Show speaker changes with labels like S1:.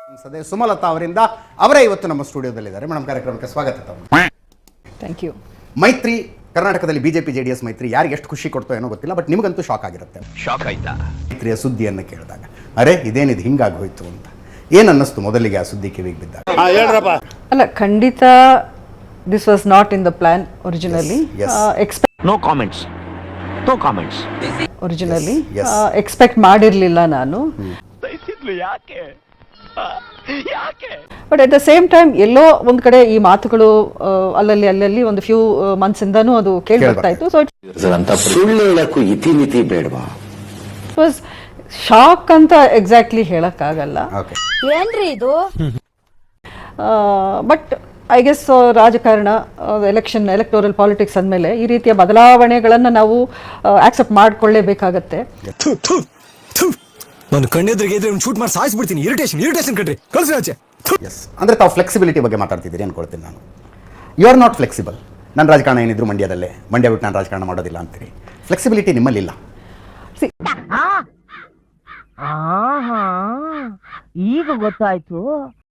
S1: ಸದೇ ಸುಮಲತಾ ಅವರಿಂದ ಅವರೇ ಇವತ್ತು ನಮ್ಮ ಸ್ಟುಡಿಯೋದಲ್ಲಿದ್ದಾರೆ. ಮೇಡಮ್, ಕಾರ್ಯಕ್ರಮಕ್ಕೆ ಸ್ವಾಗತ.
S2: Thank you.
S1: ಮೈತ್ರಿ ಕರ್ನಾಟಕದಲ್ಲಿ ಬಿಜೆಪಿ ಜೆಡಿಎಸ್ ಮೈತ್ರಿ ಯಾರಿಗೆ ಎಷ್ಟು ಖುಷಿ ಕೊಡ್ತೋ ಏನೋ ಗೊತ್ತಿಲ್ಲ, ಬಟ್ ನಿಮಗಂತೂ ಶಾಕ್ ಆಗಿರುತ್ತೆ.
S3: ಶಾಕ್ ಆಯ್ತಾ?
S1: ಮೈತ್ರಿಯ ಸುದ್ದಿಯನ್ನು ಕೇಳಿದಾಗ ಅರೆ ಇದೇನಿದು ಹಿಂಗಾಗಿ ಹೋಯ್ತು ಅಂತ ಏನು ಅನ್ನಿಸ್ತು ಮೊದಲಿಗೆ ಆ ಸುದ್ದಿ ಕಿವಿಗೆ ಬಿದ್ದಾಗ?
S2: ಅಲ್ಲ, ಖಂಡಿತ this was not in the plan originally.
S3: No comments, no comments.
S2: Originally expect ಮಾಡಿರಲಿಲ್ಲ ನಾನು.
S3: ಯಾಕೆ
S2: but at the same time ಎಲ್ಲೋ ಒಂದು ಕಡೆ ಈ ಮಾತುಗಳು ಅಲ್ಲಲ್ಲಿ ಒಂದು ಫ್ಯೂ ಮಂತ್ಸ್ ಇಂದಾನು ಅದು ಕೇಳಿ ಬರ್ತಾ ಇತ್ತು. ಸೊ
S4: ಸುಳ್ಳು ಹೇಳಕ್ಕೂ ಇತಿಮಿತಿ ಬೇಡವಾ?
S2: ಇಟ್ ವಾಸ್ ಶಾಕ್ ಅಂತ ಎಕ್ಸಾಕ್ಟ್ಲಿ ಹೇಳಕ್ಕಾಗಲ್ಲ.
S5: ಏನ್ರಿ ಇದು?
S2: ಬಟ್ ಐ ಗೆಸ್ ರಾಜಕಾರಣ, ಎಲೆಕ್ಟೋರಲ್ ಪಾಲಿಟಿಕ್ಸ್ ಅಂದಮೇಲೆ ಈ ರೀತಿಯ ಬದಲಾವಣೆಗಳನ್ನು ನಾವು ಆಕ್ಸೆಪ್ಟ್ ಮಾಡ್ಕೊಳ್ಳೇಬೇಕಾಗತ್ತೆ.
S6: ನಾನು ಕಣ್ಣೆದ್ರಿಗೆ ಇದ್ರೆ ಶೂಟ್ ಮಾಡಿ ಸಾಯಿಸ್ಬಿಡ್ತೀನಿ. ಇರಿಟೇಷನ್ ಕಣ್ರಿ, ಕಳ್ಸಿ ಆಚೆ.
S1: ಎಸ್, ಅಂದರೆ ತಾವು ಫ್ಲೆಕ್ಸಿಬಿಲಿಟಿ ಬಗ್ಗೆ ಮಾತಾಡ್ತಿದ್ದೀರಿ ಅನ್ಕೊಳ್ತೀನಿ ನಾನು. You are not flexible. ನನ್ನ ರಾಜಕಾರಣ ಏನಿದ್ರು ಮಂಡ್ಯದಲ್ಲೇ, ಮಂಡ್ಯ ಬಿಟ್ಟು ನಾನು ರಾಜಕಾರಣ ಮಾಡೋದಿಲ್ಲ ಅಂತೀರಿ. ಫ್ಲೆಕ್ಸಿಬಿಲಿಟಿ ನಿಮ್ಮಲ್ಲಿಲ್ಲ.
S5: ಈಗ ಗೊತ್ತಾಯ್ತು.